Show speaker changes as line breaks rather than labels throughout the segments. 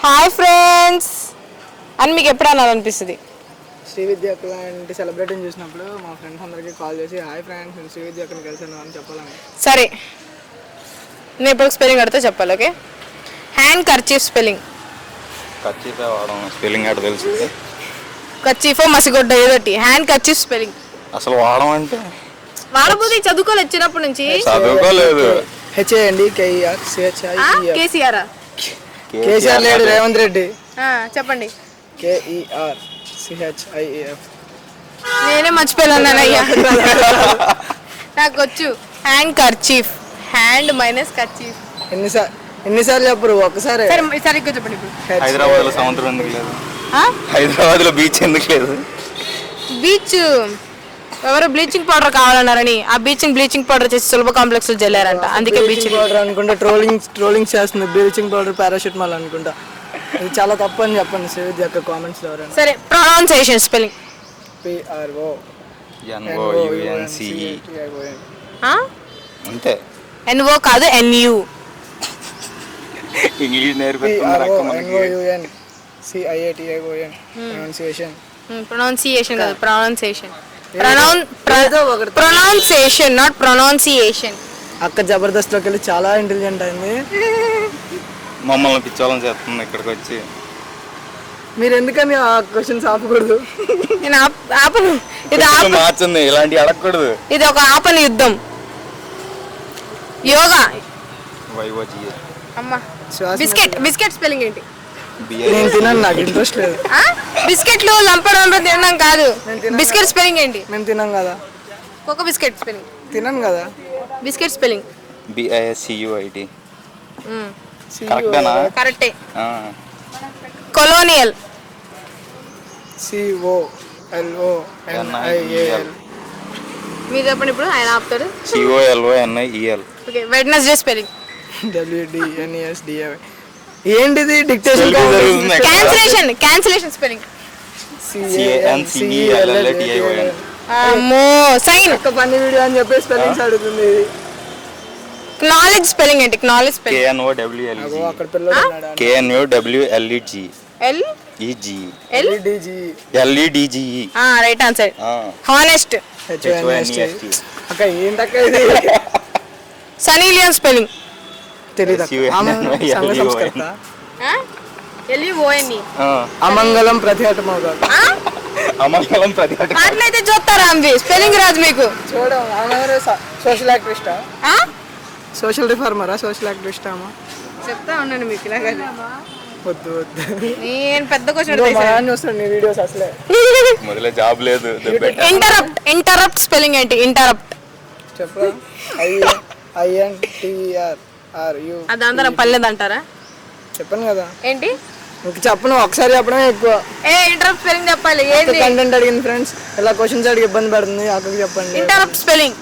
Hi friends అని మీకు ఎప్పుడు అనాలనిపిస్తుంది?
శ్రీ విద్య అక్క లాంటి సెలబ్రిటీని చూసినప్పుడు మా ఫ్రెండ్స్ అందరికీ కాల్ చేసి హాయ్ ఫ్రెండ్స్ నేను శ్రీ విద్య అక్కని కలిసాను అని చెప్పాలని.
సరే, నేను ఎప్పుడు స్పెల్లింగ్ అడితే చెప్పాలి. Okay, handkerchief spelling.
కర్చీఫే వాడడం స్పెల్లింగ్ ఆడ తెలుసు.
కర్చీఫో మసిగొడ్డ ఏదోటి. హ్యాండ్ కర్చీఫ్ స్పెల్లింగ్
అసలు వాడడం అంటే
వాడబోతే చదువుకోలేదు చిన్నప్పటి నుంచి.
చదువుకోలేదు.
హెచ్ఏఎండి కేఈఆర్ సిహెచ్ఐఈఆర్.
కేసీఆర్
కేసీఆర్ లేడు, రేవంత్ రెడ్డి.
చెప్పండి.
కేఈఆర్ సిహెచ్ఐఈఎఫ్.
నేనే మర్చిపోయాను అయ్యా. నాకు వచ్చు. Handkerchief, hand minus kerchief.
ఎన్నిసార్లు చెప్పరు? ఒక్కసారి.
సరిగ్గా చెప్పండి. ఇప్పుడు
హైదరాబాద్ లో సముద్రం ఎందుకు లేదు? హైదరాబాద్ లో బీచ్ ఎందుకు లేదు?
బీచ్ ఎవరో బ్లీచింగ్ పౌడర్ కావాలన్నారని ఆ బ్లీచింగ్ పౌడర్ చేసి సులభ కాంప్లెక్స్ లో జల్లారంట. అందుకే బ్లీచింగ్
పౌడర్ అనుకుంటా ట్రోలింగ్ చేస్తుంది. బ్లీచింగ్ పౌడర్ పారాషూటమాల్ అనుకుంటా. ఇది చాలా తప్పు అని చెప్పండి శ్రీ విద్య అక్క కామెంట్స్ లో ఎవరైనా.
సరే, ప్రొనౌన్సియేషన్ స్పెల్లింగ్.
PRONOUNCE. అంతే.
NO కాదు, NU.
ఇంగ్లీష్ నేర్పిస్తున్నారు అక్క మనకి.
ప్రొనౌన్సియేషన్ కాదు, ప్రొనౌన్సియేషన్. Pronunciation not pronunciation.
అక్క జబర్దస్త్ లోకి వెళ్ళి చాలా ఇంటెలిజెంట్ అయింది.
మమ్మల్ని పిచ్చోళ్ళని చేస్తుంది ఇక్కడికి వచ్చి.
మీరు ఎందుకని ఆ క్వశ్చన్స్ ఆపకూడదు?
నేను ఆపను. ఇది
మార్చింది, ఇలాంటి అడగకూడదు.
ఇది ఒక ఆపని యుద్ధం. యోగా. అమ్మా, బిస్కెట్ స్పెల్లింగ్ ఏంటి?
నేను తినను, నాకు ఇంట్రెస్ట్ లేదు.
బిస్కెట్లు లంపడం తినడం కాదు. బిస్కెట్ స్పెల్లింగ్ ఏంటి?
మేము తినం కదా.
ఒక బిస్కెట్ స్పెల్లింగ్
తినను కదా.
Biscuit spelling
BISCUIT. కరెక్టేనా?
కరెక్టే. కొలోనియల్.
COLONIAL.
మీరు చెప్పండి ఇప్పుడు, ఆయన ఆపుతాడు.
COLONIEL.
Okay, Wednesday spelling.
WDNESDA. ఏంటిది డిక్టేషన్?
Cancellation spelling.
CANCELLATION.
అమ్మో, సైన్.
ఒక ఫన్నీ వీడియో అని చెప్పి స్పెల్లింగ్స్ అడుగుతుంది.
నాలెడ్జ్ స్పెల్లింగ్ ఏంటి? Knowledge spelling.
KNOWLEG.
అక్కడ పిల్లలు ఉన్నాడా?
KNOWLEG. LEDGE.
Right answer. Honest.
HONEST. అక్క ఏంటక్క ఇది?
Sunny Leone spelling.
తెలీదు.
LUONE.
అమంగళం ప్రతిహటమవుగా.
అమంగళం ప్రతిహటం.
అట్లయితే చూస్తారా అంబి స్పెల్లింగ్ రాదు మీకు?
చూడం. సోషల్ యాక్టివిస్టా? సోషల్ రిఫార్మరా? సోషల్ యాక్టివిస్టా? అమ్మా
చెప్తా ఉన్నాను మీకు. ఇలాగ
వద్దు వద్దు,
నేను పెద్ద క్వశ్చన్
చూస్తాను నీ వీడియోస్. అసలే
మొదలే జాబ్ లేదు.
ఇంటరప్ట్ స్పెల్లింగ్ ఏంటి? ఇంటరప్ట్
చెప్పరా? INTERRU.
అది అందరూ పర్లేదు అంటారా?
చెప్పను కదా.
ఏంటి?
ఇంక చెప్పను, ఒకసారి చెప్పడమే ఎక్కువ.
ఇంటరప్ట్ స్పెల్లింగ్ చెప్పాలి. ఏంటి
కంటెంట్ అడిగింది ఫ్రెండ్స్, ఇలా క్వశ్చన్స్ అడిగి ఇబ్బంది పడుతుంది. అక్కడికి చెప్పండి
ఇంటరప్ట్ స్పెల్లింగ్.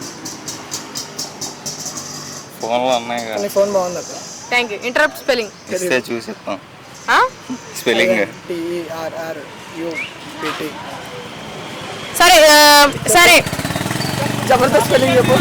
ఫోన్లో ఉన్నాయి కదా.
ఫోన్ బాగుంది అక్క.
Thank you. ఇంటరప్ట్ స్పెల్లింగ్
ఇస్తే చూసిస్తాం. Spelling
INTERRUPT.
సరే
జబర్దస్త్ స్పెల్లింగ్ చెప్పు.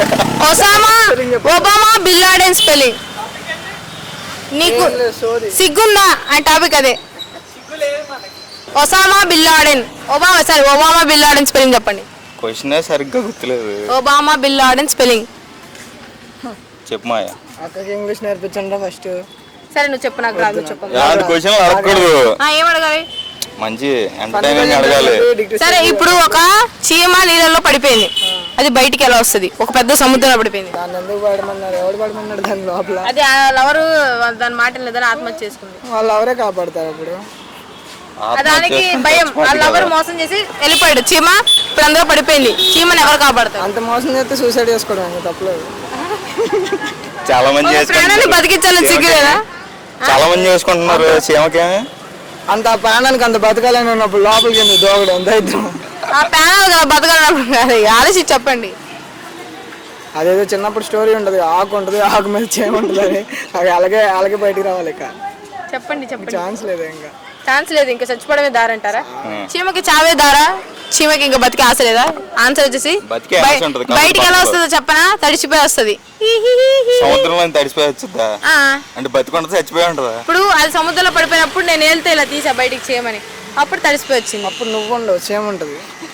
Obama bin Laden spelling. నీకు సిగ్గుందా? ఆ టాపిక్ అదే. Osama bin Laden. Obama bin Laden spelling చెప్పండి.
క్వశ్చన్ సరిగ్గా గుర్తులేదు.
ఒబామా బిన్ లాడెన్ స్పెల్లింగ్
చెప్పు మాయ.
అక్కకి ఇంగ్లీష్ నేర్పించండి ఫస్ట్.
సరే, నువ్వు చెప్పు. నాకు రాదు. చెప్పు.
క్వశ్చన్ అడగకూడదు.
ఏం అడగాలి?
మంచి ఎంటర్టైన్మెంట్ అడగాలి.
సరే, ఇప్పుడు ఒక చీమ నీళ్ళలో పడిపోయింది. అది బయటికి ఎలా వస్తుంది? ఒక పెద్ద సముద్రంలో పడిపోయింది.
దాన్ని ఎందుకు పడమన్నారు? ఎవడు పడమన్నాడు దాని లోపల?
అది ఎవరు దాని మాట లేదని ఆత్మహత్య చేసుకుంది.
వాళ్ళు ఎవరే కాపాడతారు అప్పుడు?
దానికి భయం. వాళ్ళు ఎవరు మోసం చేసి వెళ్ళిపోయాడు. చీమ ఇప్పుడు అందరూ పడిపోయింది. చీమని ఎవరు కాపాడతారు?
అంత మోసం చేస్తే సూసైడ్ చేసుకోవడం తప్పలేదు.
చాలా మంది
ప్రాణాన్ని బతికించాలని సిగ్గులేదా?
చాలా మంది చేసుకుంటున్నారు. చీమకే
అంత ప్రాణానికి అంత బతకాలని ఉన్నప్పుడు లోపలికి ఎందుకు దోగడం? దైత్యం.
ఆ ప్రాణాలు కదా బతకాలన్నప్పుడు కాదు. ఆలోచించి చెప్పండి.
అదేదో చిన్నప్పుడు స్టోరీ ఉంటుంది, ఆకు ఉంటుంది, ఆకు మీద చీమ ఉంటుంది అని. అది అలాగే బయటికి రావాలి. ఇక
చెప్పండి.
ఛాన్స్ లేదు ఇంకా.
ఛాన్స్ లేదు, ఇంకా చచ్చిపోవడమే దారంటారా? చీమకి చావే దారా? చీమకి ఇంకా బతికే ఆశ లేదా? ఆన్సర్ వచ్చేసి
బతికే ఆశ ఉంటది, కాబట్టి
బయటికి ఎలా
బతకదు.
వస్తుందో చెప్పనా? తడిచిపోయి వస్తుంది.
సముద్రంలో తడిసిపోయి వచ్చిద్దా? అంటే బతికుంటే చచ్చిపోయి ఉంటదా?
ఇప్పుడు అది సముద్రంలో పడిపోయినప్పుడు నేను వెళ్తే ఇలా తీసా బయటికి చేయమని, అప్పుడు తడిసిపోయి వచ్చింది.
అప్పుడు నువ్వు ఉండవు, సేమ్ ఉంటుంది.